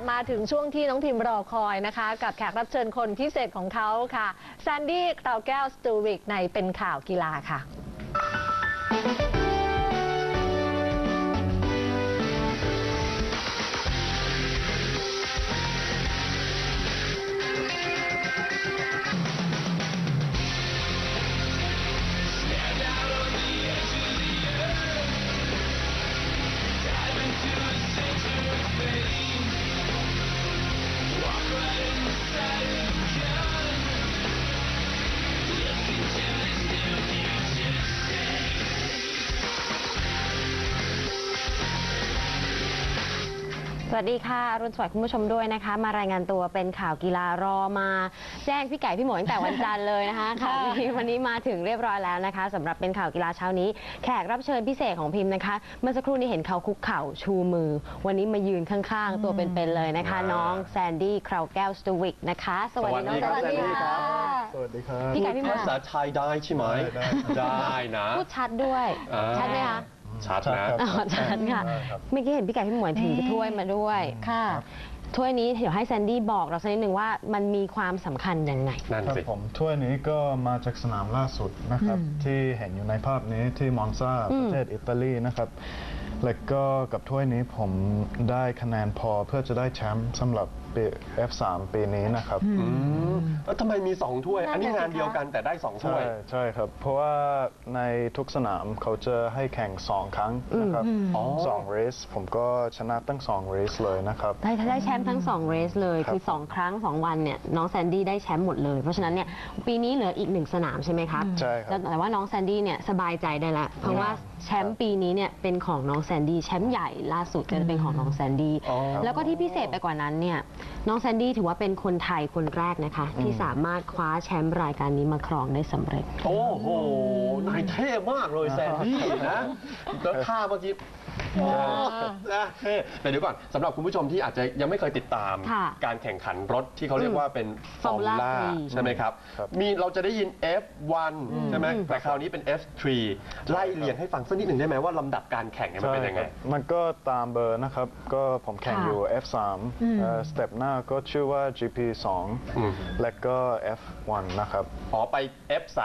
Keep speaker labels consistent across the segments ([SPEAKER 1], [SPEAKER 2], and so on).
[SPEAKER 1] มาถึงช่วงที่น้องพิมรอคอยนะคะกับแขกรับเชิญคนพิเศษของเขาค่ะแซนดี้คราวแก้วสตูริกในเป็นข่าวกีฬาค่ะ
[SPEAKER 2] สวัสดีค่ะรุ่นสวัสดิ์คุณผู้ชมด้วยนะคะมารายงานตัวเป็นข่าวกีฬารอมาแจ้งพี่ไก่พี่หมวยตั้งแต่วันจันทร์เลยนะคะข่าวนี้วันนี้มาถึงเรียบร้อยแล้วนะคะสำหรับเป็นข่าวกีฬาเช้านี้แขกรับเชิญพิเศษของพิมพ์นะคะเมื่อสักครู่นี้เห็นเขาคุกเข่าชูมือวันนี้มายืนข้างๆตัวเป็นๆเลยนะคะน้องแซนดี้คราวแก้วสตูวิกนะคะสวัสดีน้องแซนดี้ค่ะ
[SPEAKER 3] สวัสดีครับ
[SPEAKER 2] พี่ไก่พี่หมวย
[SPEAKER 4] ภาษาไทยได้ใช่ไหมได้นะ
[SPEAKER 2] พูดชัดด้วยชัดไหมคะ
[SPEAKER 4] ชัดนะ
[SPEAKER 2] ชัดค่ะเมื่อกี้เห็นพี่ไก่พี่หมวยถือถ้วยมาด้วยค่ะถ้วยนี้เดี๋ยวให้แซนดี้บอกเราสักนิดหนึ่งว่ามันมีความสำคัญยังไง
[SPEAKER 3] นั่นสิผมถ้วยนี้ก็มาจากสนามล่าสุดนะครับที่เห็นอยู่ในภาพนี้ที่มอนซาประเทศอิตาลีนะครับและก็กับถ้วยนี้ผมได้คะแนนพอเพื่อจะได้แชมป์สำหรับF3 ปีนี้นะครับ
[SPEAKER 4] แล้วทำไมมี2ถ้วยอันนี้งานเดียวกันแต่ได้2ถ้วย
[SPEAKER 3] ใช่ครับเพราะว่าในทุกสนามเขาจะให้แข่ง2ครั้งนะครับ2เรสผมก็ชนะตั้ง2เรสเลยนะครับ
[SPEAKER 2] ได้แชมป์ทั้ง2เรสเลยคือ2ครั้ง2วันเนี่ยน้องแซนดี้ได้แชมป์หมดเลยเพราะฉะนั้นเนี่ยปีนี้เหลืออีก1สนามใช่ไหมครับ
[SPEAKER 3] ใช่ครับ
[SPEAKER 2] แต่ว่าน้องแซนดี้เนี่ยสบายใจได้ละเพราะว่าแชมป์ปีนี้เนี่ยเป็นของน้องแซนดี้แชมป์ใหญ่ล่าสุดก็จะเป็นของน้องแซนดี้แล้วก็ที่พิเศษไปกว่านั้นเนี่ยน้องแซนดี้ถือว่าเป็นคนไทยคนแรกนะคะที่สามารถคว้าแชมป์รายการนี้มาครองได้สำเร็จ
[SPEAKER 4] โอ้โหนายเท่มากเลยแซนดี้นะแล้วท่าเมื่อกี้นะแต่เดี๋ยวก่อนสำหรับคุณผู้ชมที่อาจจะยังไม่เคยติดตามการแข่งขันรถที่เขาเรียกว่าเป็นฟอร์มูล่าใช่ไหมครับมีเราจะได้ยิน F1 ใช่ไหมแต่คราวนี้เป็น F3 ไล่เรียงให้ฟังสักนิดหนึ่งได้ไหมว่าลำดับการแข่งมันเป็นยังไง
[SPEAKER 3] มันก็ตามเบอร์นะครับก็ผมแข่งอยู่ F3 สเต็ปหน้าก็ชื่อว่า GP2 และก็ F1 นะครับ
[SPEAKER 4] ไป F3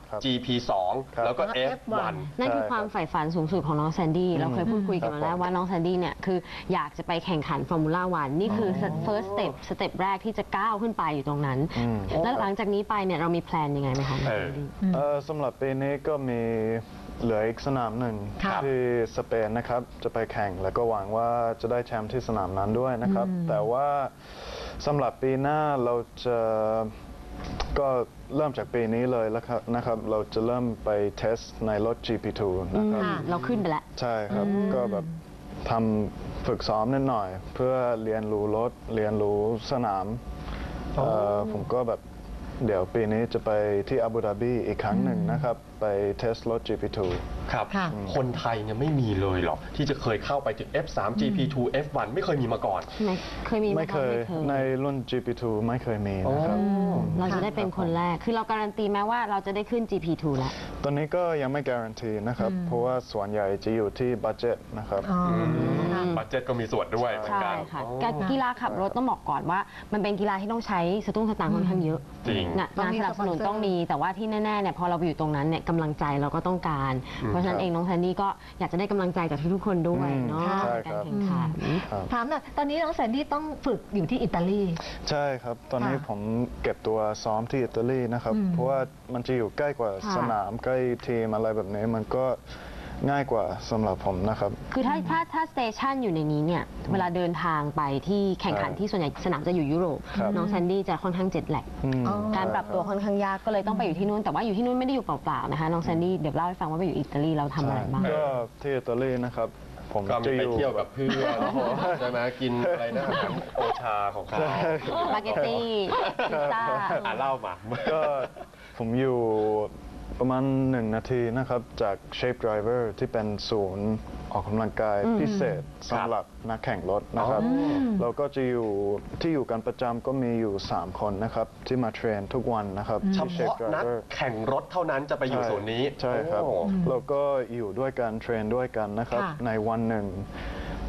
[SPEAKER 4] GP2 แล้วก็ F1
[SPEAKER 2] นั่นคือความใฝ่ฝันสูงสุดของน้องแซนดี้เราเคยพูดคุยกันมาแล้วว่าน้องแซนดี้เนี่ยคืออยากจะไปแข่งขันฟอร์มูล่าวันนี่คือ first step สเต็ปแรกที่จะก้าวขึ้นไปอยู่ตรงนั้นแล้วหลังจากนี้ไปเนี่ยเรามีแพลนยังไงไหมคะ
[SPEAKER 3] สำหรับปีนี้ก็มีเหลืออีกสนามหนึ่งที่สเปนนะครับจะไปแข่งแล้วก็หวังว่าจะได้แชมป์ที่สนามนั้นด้วยนะครับแต่ว่าสำหรับปีหน้าเราจะก็เริ่มจากปีนี้เลยแล้วนะครับเราจะเริ่มไปเทสในรถ GP2 นะครับ
[SPEAKER 2] เราขึ้นไปแล้ว
[SPEAKER 3] ใช่ครับก็แบบทำฝึกซ้อมนิดหน่อยเพื่อเรียนรู้รถเรียนรู้สนามผมก็แบบเดี๋ยวปีนี้จะไปที่อาบูดาบีอีกครั้งหนึ่งนะครับไปเทสรถ GP2
[SPEAKER 4] ครับคนไทยเนี่ยไม่มีเลยหรอที่จะเคยเข้าไปถึง F3 GP2 F1 ไม่เคยมีมาก่อน
[SPEAKER 2] ไม่เคย
[SPEAKER 3] ในรุ่น GP2 ไม่เคยมีนะครับ
[SPEAKER 2] เราจะได้เป็นคนแรกคือเราการันตีแม้ว่าเราจะได้ขึ้น GP2 แล้ว
[SPEAKER 3] ตอนนี้ก็ยังไม่การันตีนะครับเพราะว่าส่วนใหญ่จะอยู่ที่บัดเจ็ตนะครับ
[SPEAKER 4] บัดเจ็ตก็มีส่วนด้วยเหมือนกัน
[SPEAKER 2] การกีฬาขับรถต้องบอกก่อนว่ามันเป็นกีฬาที่ต้องใช้สตุ้งสตางค์ค่อนข้างเยอะ
[SPEAKER 4] จริง
[SPEAKER 2] งานสนับสนุนต้องมีแต่ว่าที่แน่ๆเนี่ยพอเราไปอยู่ตรงนั้นเนี่ยกำลังใจเราก็ต้องการเพราะฉะนั้นเองน้องแซนดี้ก็อยากจะได้กำลังใจจากทุกๆคนด้วยเนาะในการแข่งขัน
[SPEAKER 1] ถามหน่อยตอนนี้น้องแซนดี้ต้องฝึกอยู่ที่อิตาลี
[SPEAKER 3] ใช่ครับตอนนี้ผมเก็บตัวซ้อมที่อิตาลีนะครับเพราะว่ามันจะอยู่ใกล้กว่าสนามใกล้ทีมอะไรแบบนี้มันก็ง่ายกว่าสำหรับผมนะครับ
[SPEAKER 2] คือถ้าสเตชันอยู่ในนี้เนี่ยเวลาเดินทางไปที่แข่งขันที่ส่วนใหญ่สนามจะอยู่ยุโรปน้องแซนดี้จะค่อนข้างเจ็ตแลกการปรับตัวค่อนข้างยากก็เลยต้องไปอยู่ที่นู่นแต่ว่าอยู่ที่นู่นไม่ได้อยู่เปล่าๆนะคะน้องแซนดี้เดี๋ยวเล่าให้ฟังว่าไปอยู่อิตาลีเราทำอะไรบ้าง
[SPEAKER 3] ก็ที่อิตาลีนะครับผม
[SPEAKER 4] ก็ไปเที่ยวกับเพื่อนใช่ไหมกินอะไรนะโอชาของเขา
[SPEAKER 2] สปาเกตตี้พิซซ่า
[SPEAKER 4] เล่ามา
[SPEAKER 3] ก็ผมอยู่ประมาณ1 นาทีนะครับจาก Shape Driver ที่เป็นศูนย์ออกกำลังกายพิเศษสำหรับนักแข่งรถนะครับเราก็จะอยู่ที่อยู่กันประจำก็มีอยู่3 คนนะครับที่มาเทรนทุกวันนะครับ
[SPEAKER 4] เฉพาะนักแข่งรถเท่านั้นจะไปอยู่ศูนย์นี้
[SPEAKER 3] ใช่ครับเราก็อยู่ด้วยกันเทรนด้วยกันนะครับในวันหนึ่ง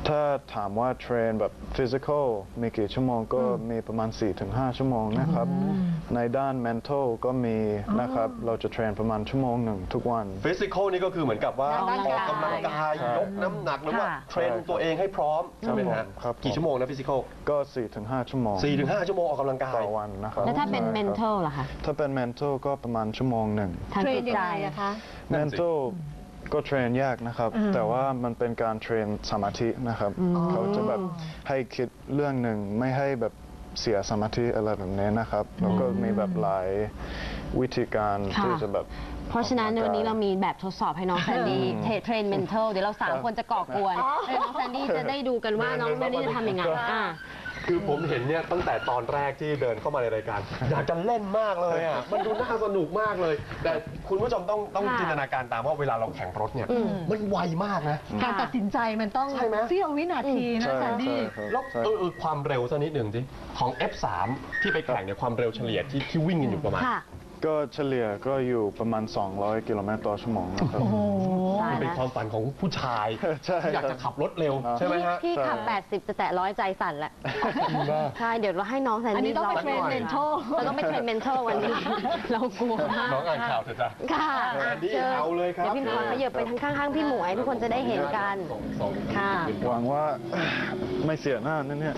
[SPEAKER 3] ถ้าถามว่าเทรนแบบฟิสิกอลมีกี่ชั่วโมงก็มีประมาณ 4-5 ชั่วโมงนะครับ ในด้าน mental ก็มีนะครับ เราจะเทรนประมาณชั่วโมงหนึ่งทุกวัน
[SPEAKER 4] ฟิสิกอลนี่ก็คือเหมือนกับว่า
[SPEAKER 1] อ
[SPEAKER 4] อ
[SPEAKER 1] อก
[SPEAKER 4] อก
[SPEAKER 1] กำลังกาย
[SPEAKER 4] กำลังกายยกน้ำหนักหรือว่า
[SPEAKER 2] ค่ะ
[SPEAKER 4] เทรนตัวเองให้พร้อมใช่ไหมฮะ
[SPEAKER 3] ครับ
[SPEAKER 4] กี่ชั่วโมงนะฟิสิกอล
[SPEAKER 3] ก็ 4-5 ชั่วโมง
[SPEAKER 4] 4-5 ชั่วโมงออกกำลังกาย
[SPEAKER 3] ต่อวันนะครับ
[SPEAKER 2] แล้วถ้าเป็น
[SPEAKER 3] ใช่ครับ
[SPEAKER 2] mental ล่ะคะ
[SPEAKER 3] ถ้าเป็น mental ก็ประมาณชั่วโมงหนึ่ง
[SPEAKER 2] ทาง
[SPEAKER 1] เทร
[SPEAKER 2] จิ
[SPEAKER 1] น
[SPEAKER 2] ต
[SPEAKER 1] ยัง
[SPEAKER 2] ใจ
[SPEAKER 1] ไงอะคะ
[SPEAKER 4] นั่นสิ
[SPEAKER 3] mental ก็เทรนยากนะครับ แต่ว่ามันเป็นการเทรนสมาธินะครับ เขาจะแบบให้คิดเรื่องหนึ่งไม่ให้แบบเสียสมาธิอะไรแบบนี้นะครับ แล้วก็มีแบบหลายวิธีการ
[SPEAKER 2] ค่ะ
[SPEAKER 3] ที่จะแบบ
[SPEAKER 2] เพราะฉะนั้นในวันนี้เรามีแบบทดสอบให้น้องแซนดี้เทรน mental เดี๋ยวเรา3 คนจะก่อกวนแล้วน้องแซนดี้จะได้ดูกันว่าน้องแซนดี้จะทำยังไง
[SPEAKER 4] คือผมเห็นเนี่ยตั้งแต่ตอนแรกที่เดินเข้ามาในรายการ อยากจะเล่นมากเลยอ่ะ มันดูน่าสนุกมากเลย แต่คุณผู้ชมต้อง
[SPEAKER 2] ค่ะ
[SPEAKER 4] จินตนาการตามว่าเวลาเราแข่งรถเนี่ย มันไวมากนะ
[SPEAKER 1] การตัดสินใจมันต้อง
[SPEAKER 4] ใช่ไหม
[SPEAKER 1] เสี้ยววินาทีนะ
[SPEAKER 3] ใช่
[SPEAKER 1] แซนดี้
[SPEAKER 3] ใช่ครับ
[SPEAKER 4] แล้ว
[SPEAKER 3] ใช่
[SPEAKER 4] ความเร็วสักนิดหนึ่งสิของ F3 ที่ไปแข่งเนี่ยความเร็วเฉลี่ยที่วิ่งกันอยู่ประมาณ
[SPEAKER 2] ค่ะ
[SPEAKER 3] ก็เฉลี่ยก็อยู่ประมาณ 200 กิโลเมตรต่อชั่วโมงนะครับ
[SPEAKER 2] ตาย
[SPEAKER 4] มันเป็น
[SPEAKER 2] แล้ว
[SPEAKER 4] ความฝันของผู้ชาย
[SPEAKER 3] ใช่
[SPEAKER 4] ที่อยากจะขับรถเร็วใช่ไหมฮะ
[SPEAKER 2] พี่ขับ 80 จะแตะ100 ใจสั่นแล้วใช่ เดี๋ยวเราให้น้องแซน
[SPEAKER 1] อันนี้
[SPEAKER 2] ดี้
[SPEAKER 1] ต้องไป
[SPEAKER 2] ล
[SPEAKER 1] เทรน
[SPEAKER 2] ห
[SPEAKER 1] เม
[SPEAKER 2] อย
[SPEAKER 1] นโช
[SPEAKER 2] เราต้องไปเทรน mental วันนี้ เรากลัวมาก
[SPEAKER 4] น้องอ่านข่าวเถอะจ้ะ
[SPEAKER 2] ค่ะ
[SPEAKER 4] แซนดี้
[SPEAKER 2] เชิญ
[SPEAKER 4] เอาเลยครับ
[SPEAKER 2] เดี๋ยวพี่ขอขยับไปทางข้างๆพี่หมวย ทุกคนจะได้เห็นกัน ค่ะ
[SPEAKER 3] หวังว่า ไม่เสียหน้านั่นเนี่ย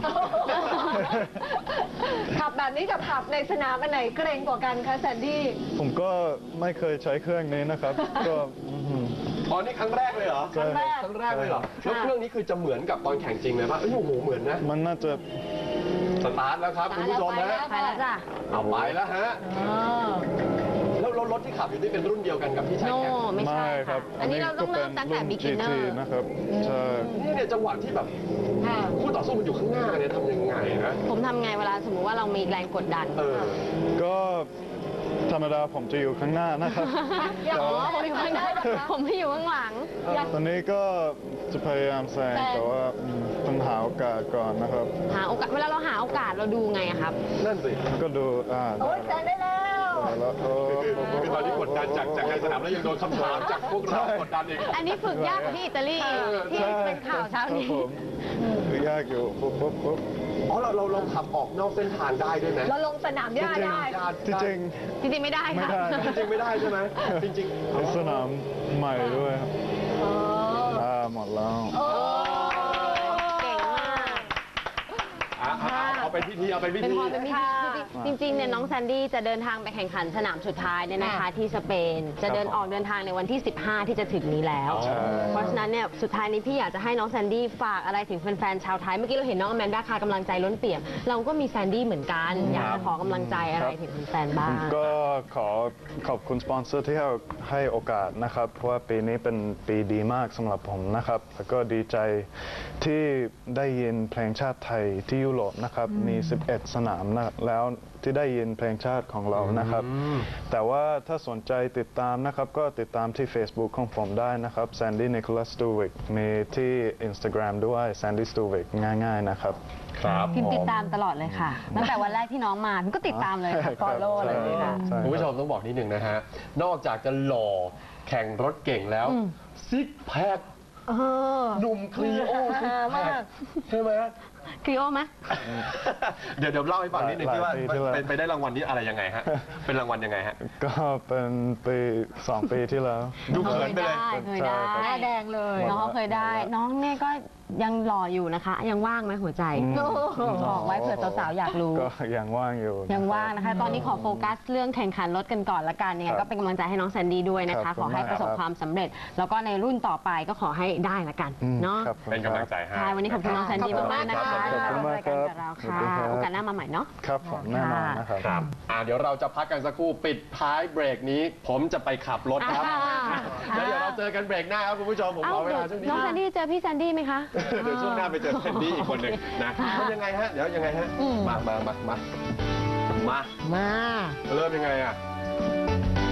[SPEAKER 1] ขับแบบนี้กับขับในสนามอันไหนเกรงกว่ากันคะแซนดี้
[SPEAKER 3] ผมก็ไม่เคยใช้เครื่องนี้นะครับ ก็อื้อหือ
[SPEAKER 4] อ๋อนี่ครั้งแรกเลยเหรอ
[SPEAKER 3] ครั้งแรก
[SPEAKER 4] ครั้งแรกเลยเหรอ แล้วเครื่องนี้คือจะเหมือนกับตอนแข่งจริงเลยป่ะเอ้ยโอ้โหเหมือนนะ
[SPEAKER 3] มันน่าจะ
[SPEAKER 4] สตาร์ทแล้วครับคุณผู้ชมฮะ
[SPEAKER 2] ไปแล้วจ้ะ
[SPEAKER 4] เอาไปแล้วฮะ แล้วรถที่ขับอยู่นี่เป็นรุ่นเดียวกันกับที่ใช้
[SPEAKER 2] โน่
[SPEAKER 4] แข่ง
[SPEAKER 2] ไม่ใช่
[SPEAKER 3] ครั
[SPEAKER 2] ค่ะ
[SPEAKER 3] บ
[SPEAKER 2] อันนี้เราต้องเริ่มตั้งแต่
[SPEAKER 3] รุ่น
[SPEAKER 2] beginner
[SPEAKER 3] GT นะครับ ใช่
[SPEAKER 4] เนี่ยจังหวะที่แบบคู่ต่อสู้มันอยู่ข้างหน้าเนี่ยทำยังไงนะ
[SPEAKER 2] ผมทำไงเวลาสมมติว่าเรามีแรงกดดัน
[SPEAKER 4] เออ
[SPEAKER 3] ก็ธรรมดาผมจะอยู่ข้างหน้านะครับ
[SPEAKER 1] อย่า
[SPEAKER 3] แต่
[SPEAKER 1] บอก
[SPEAKER 3] ว่า
[SPEAKER 1] ว่าผมอยู่ข้างหน้านะคะ
[SPEAKER 2] ผมไม่อยู่ข้างหลัง
[SPEAKER 3] ตอนนี้ก็จะพยายามแซงแต่ว่าต้องหาโอกาสก่อนนะครับ
[SPEAKER 2] หาโอกาส เวลาเราหาโอกาสเราดูไงอะครับ
[SPEAKER 4] นั่นสิ
[SPEAKER 3] ก็ดู
[SPEAKER 1] โอ้ยแซงได้แล้ว
[SPEAKER 3] แล้ว
[SPEAKER 4] คือตอนนี้กดดันจากในสนามแล้วยังโดนคำถามจากพวกเรากดดันอีก
[SPEAKER 2] อันนี้ฝึกยากกว่าที่อิตาลีที่เป็นข่าวเช้านี้
[SPEAKER 3] ครับผมคือยากอยู่ปุ๊บ
[SPEAKER 4] อ๋อเราขับออกนอกเส้นทางได้ด้วยไหม
[SPEAKER 1] เราลงสนามหญ้าได้
[SPEAKER 3] จริง
[SPEAKER 2] จริงๆไม่ได้
[SPEAKER 3] ๆไม่
[SPEAKER 2] ค่ะ
[SPEAKER 3] ได้
[SPEAKER 4] จริงๆไม่ได้ใช่ไหมจริง
[SPEAKER 3] เป็นสนามใหม่ด้วยครับ
[SPEAKER 1] อ๋อ
[SPEAKER 3] หมดแล้ว
[SPEAKER 1] โอ้
[SPEAKER 2] เก่งมาก
[SPEAKER 4] เอาไปพิธีเอาไปพิ
[SPEAKER 2] เป็น
[SPEAKER 4] ธี
[SPEAKER 2] พอเป็นพิธีจริงๆเนี่ยน้องแซนดี้จะเดินทางไปแข่งขันสนามสุดท้ายเนี่ยนะคะ ที่สเปน จะเดินทางในวันที่ 15 ที่จะถึงนี้แล้ว
[SPEAKER 3] ใช่
[SPEAKER 2] เพราะฉะนั้นเนี่ยสุดท้ายนี้พี่อยากจะให้น้องแซนดี้ฝากอะไรถึงแฟนๆชาวไทย เมื่อกี้เราเห็นน้องอแมนด้าคากำลังใจล้นเปี่ยม เราก็มีแซนดี้เหมือนกัน อยากจะขอกำลังใจอะไรถึงแฟนๆบ้าง
[SPEAKER 3] ก็ขอบคุณสปอนเซอร์ที่ให้โอกาสนะครับ เพราะว่าปีนี้เป็นปีดีมากสำหรับผมนะครับ แล้วก็ดีใจที่ได้ยินเพลงชาติไทยที่ยุโรปนะครับ มี 11 สนามนะแล้วที่ได้ยินเพลงชาติของเรานะครับ แต่ว่าถ้าสนใจติดตามนะครับ ก็ติดตามที่ Facebook ของผมได้นะครับ Sandy Nicholas Stuwick มีที่ Instagram ด้วย Sandy Stuwick ง่ายๆนะครับ
[SPEAKER 4] ครับ
[SPEAKER 2] พิมพ์ติดตามตลอดเลยค่ะ ตั้งแต่วันแรกที่น้องมาพิมก็ติดตามเลยค่ะ follow เลยค่ะ
[SPEAKER 3] ใช่ครับ
[SPEAKER 4] คุณผู้ชมต้องบอกนิดหนึ่งนะฮะ นอกจากจะหล่อแข่งรถเก่งแล้ว ซิกแพคหนุ่มคลีโอซิกแพคใช่ไหม
[SPEAKER 2] คลีโอไหม
[SPEAKER 4] เดี๋ยวเล่าให้ฟังนิดหนึ่งที่ว่า
[SPEAKER 3] หลายปีที่แล้ว
[SPEAKER 4] ไปได้รางวัลนี้อะไรยังไงฮะ เป็นรางวัลยังไงฮะ
[SPEAKER 3] ก็เป็นปี2 ปีที่แล้ว
[SPEAKER 4] ดูเขินไปเลย
[SPEAKER 2] เคยได้
[SPEAKER 1] หน้าแดงเลย
[SPEAKER 2] น้องเขาเคยได้ น้องเนี่ยก็ยังหล่ออยู่นะคะ ยังว่างไหมหัวใจบอกไว้เผื่อสาวๆอยากรู้
[SPEAKER 3] ก็ยังว่างอยู่
[SPEAKER 2] ยังว่างนะคะ ตอนนี้ขอโฟกัสเรื่องแข่งขันรถกันก่อนละกันยังไง
[SPEAKER 3] ครับ
[SPEAKER 2] ก็เป็นกำลังใจให้น้องแซนดี้ด้วยนะ
[SPEAKER 3] ครั
[SPEAKER 2] คะ
[SPEAKER 3] บ
[SPEAKER 2] ขอให้ประสบ
[SPEAKER 3] ขอบคุณมาก
[SPEAKER 2] ความสำเร็จ แล้วก็ในรุ่นต่อไปก็ขอให้ได้ละกันเนาะ
[SPEAKER 3] ครับผม
[SPEAKER 4] เป็นกำลังใจให้
[SPEAKER 2] ใช่วันนี้ขอบคุณน้องแซนดี้มากๆนะคะ
[SPEAKER 3] ขอบคุณมากครับ
[SPEAKER 2] รายการกับเราค่ะ
[SPEAKER 3] ขอบคุณครับ
[SPEAKER 2] โอกาสหน้ามาใหม่เนาะ
[SPEAKER 3] ครับผมแน่นอนนะครับ
[SPEAKER 4] ครับเดี๋ยวเราจะพักกันสักครู่ปิดท้ายเบรกนี้ ผมจะไปขับรถครับ แล้วเดี๋ยวเราเจอกันเบรกหน้าครับคุณผู้ชมผม
[SPEAKER 2] เอ้า
[SPEAKER 4] ขอเว
[SPEAKER 2] เดี๋ยว
[SPEAKER 4] ลาช่วงนี้
[SPEAKER 2] น้องแซนดี้เจอพี่แซนดี้ไหมคะ
[SPEAKER 4] เดี๋ยวช่วงหน้าไปเจอแคนดี้อีกคนหนึ่งนะมันยังไงฮะ เดี๋ยวยังไงฮะ มา
[SPEAKER 1] มา
[SPEAKER 4] เริ่มยังไงอ่ะ